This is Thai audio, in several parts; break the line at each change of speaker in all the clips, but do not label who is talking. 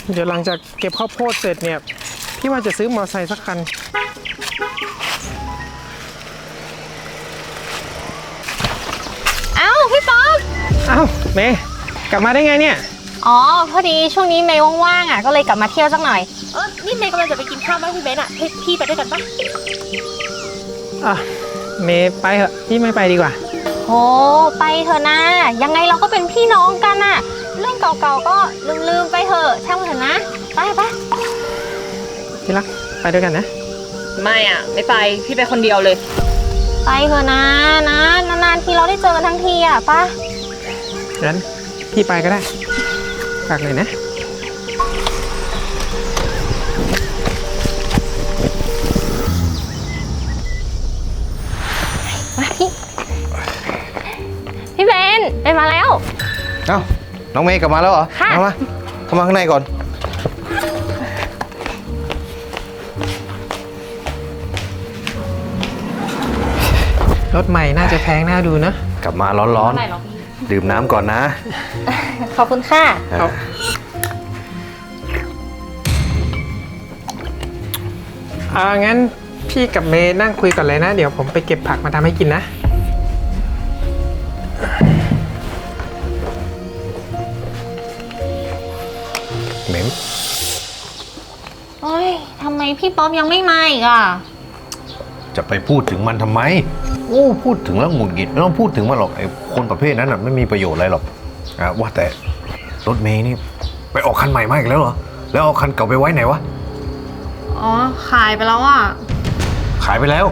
เดี๋ยวหลังจากเก็บข้าวโพดเสร็จเนี่ยพี่ว่าจะซื้อมอเตอร์ไซค์สักคัน
เอ้าพี่ป๊อป
เอ้าเมย์กลับมาได้ไงเนี่ย
อ๋อพอดีช่วงนี้เมย์ว่างๆอ่ะก็เลยกลับมาเที่ยวสักหน่อยนี่เมย์กำลังจะไปกินข้าวบ้านพี่เบนอ่ะพี่ไปด้วยกันปะ
เมย์ไปเถอะพี่ไม่ไปดีกว่า
โอ้ไปเถอะนะยังไงเราก็เป็นพี่น้องกันอ่ะเรื่องเก่าๆก็ลืมไปเถอะช่างมันเถอะนะไป
ที่รักไปด้วยกันนะ
ไม่อ่ะไม่ไปพี่ไปคนเดียวเลย
ไปเถอะนะนานๆทีเราได้เจอกันทั้งทีอ่ะป่ะ
งั้นพี่ไปก็ได้ฝากเลยนะ
มาพี่เบนมาแล้ว
เอ้าน้องเมย์กลับมาแล้วเหรอ
ค่ะ
มาเข้ามาข้างในก่อน
รถใหม่น่าจะแพงน่าดูนะ
กลับมาร้อนๆดื่มน้ำก่อนนะ
ขอบคุณค่ะ
งั้นพี่กับเมย์นั่งคุยก่อนเลยนะเดี๋ยวผมไปเก็บผักมาทำให้กินนะ
เหม็น
โอ้ยทำไมพี่ป๊อปยังไม่มาอีกอ่ะ
จะไปพูดถึงมันทำไมโอ้พูดถึงแล้วหงุดหงิดไม่ต้องพูดถึงมันหรอกไอ้คนประเภทนั้นน่ะไม่มีประโยชน์อะไรหรอกว่าแต่รถเมย์นี่ไปออกคันใหม่มาอีกแล้วเหรอแล้วเอาคันเก่าไปไว้ไหนวะ
อ๋อขายไปแล้วอ่ะ
ขายไปแล้ว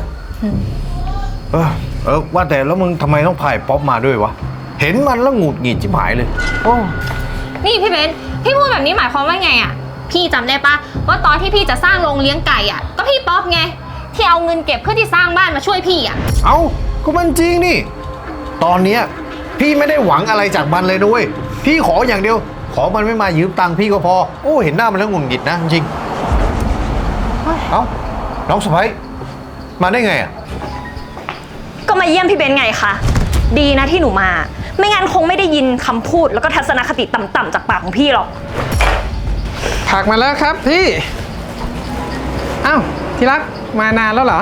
ว่าแต่แล้วมึงทำไมต้องพายป๊อปมาด้วยวะเห็นมันแล้วหงุดหงิดชิบหายเลยโอ้
นี่พี่เบนพี่พูดแบบนี้หมายความว่าไงอ่ะพี่จำได้ปะว่าตอนที่พี่จะสร้างโรงเลี้ยงไก่อ่ะก็พี่ป๊อปไงที่เอาเงินเก็บเพื่อที่สร้างบ้านมาช่วยพี่อ่ะ
เอาก็มันจริงนี่ตอนเนี้ยพี่ไม่ได้หวังอะไรจากมันเลยด้วยพี่ขออย่างเดียวขอมันไม่มายืมตังค์พี่ก็พอโอ้เห็นหน้ามันแล้วหงุดหงิดนะจริงเอ้าน้องสะใภ้มาได้ไงอ่ะ
ก็มาเยี่ยมพี่เบนไงคะดีนะที่หนูมาไม่งั้นคงไม่ได้ยินคำพูดแล้วก็ทัศนคติต่ำๆจากปากของพี่หรอก
ผักมาแล้วครับพี่อ้าวที่รักมานานแล้วเหรอ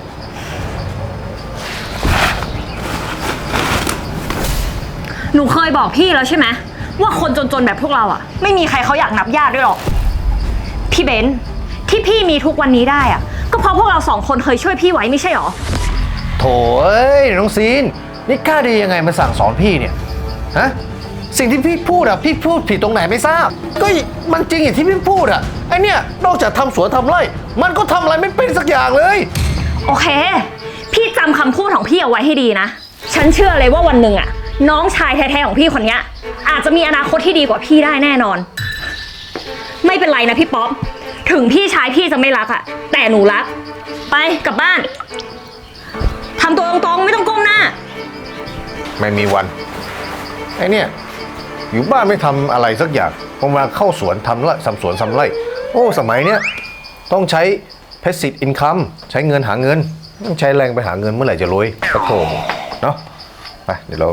หนูเคยบอกพี่แล้วใช่ไหมว่าคนจนๆแบบพวกเราอ่ะไม่มีใครเขาอยากนับญาติด้วยหรอกพี่เบนที่พี่มีทุกวันนี้ได้อ่ะก็เพราะพวกเราสองคนเคยช่วยพี่ไว้ไม่ใช่หรอ
โถ่เอ้ยน้องซีนนี่กล้าดียังไงมาสั่งสอนพี่เนี่ยฮะสิ่งที่พี่พูดอ่ะพี่พูดผิดตรงไหนไม่ทราบก็มันจริงอย่างที่พี่พูดอ่ะไอเนี่ยนอกจากทำสวนทำไร่มันก็ทำอะไรไม่เป็นสักอย่างเลย
โอเคพี่จำคำพูดของพี่เอาไว้ให้ดีนะฉันเชื่อเลยว่าวันหนึ่งอ่ะน้องชายแท้ๆของพี่คนนี้อาจจะมีอนาคตที่ดีกว่าพี่ได้แน่นอนไม่เป็นไรนะพี่ป๊อปถึงพี่ชายพี่จะไม่รักอ่ะแต่หนูรักไปกลับบ้านทำตัวตรงๆไม่ต้องก้มหน้า
ไม่มีวันไอเนี่ยอยู่บ้านไม่ทำอะไรสักอย่างพอมาเข้าสวนทำไร่ทำสวนทำไร่โอ้สมัยเนี้ยต้องใช้ passive income ใช้เงินหาเงินต้องใช้แรงไปหาเงินเมื่อไหร่จะรวยกระโถมเนาะไปเดี๋ยวเรา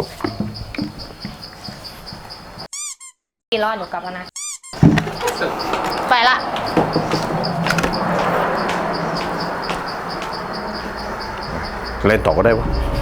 รอหนูกลับแล้วนะไปละ
เล่นต่อก็ได้ปะ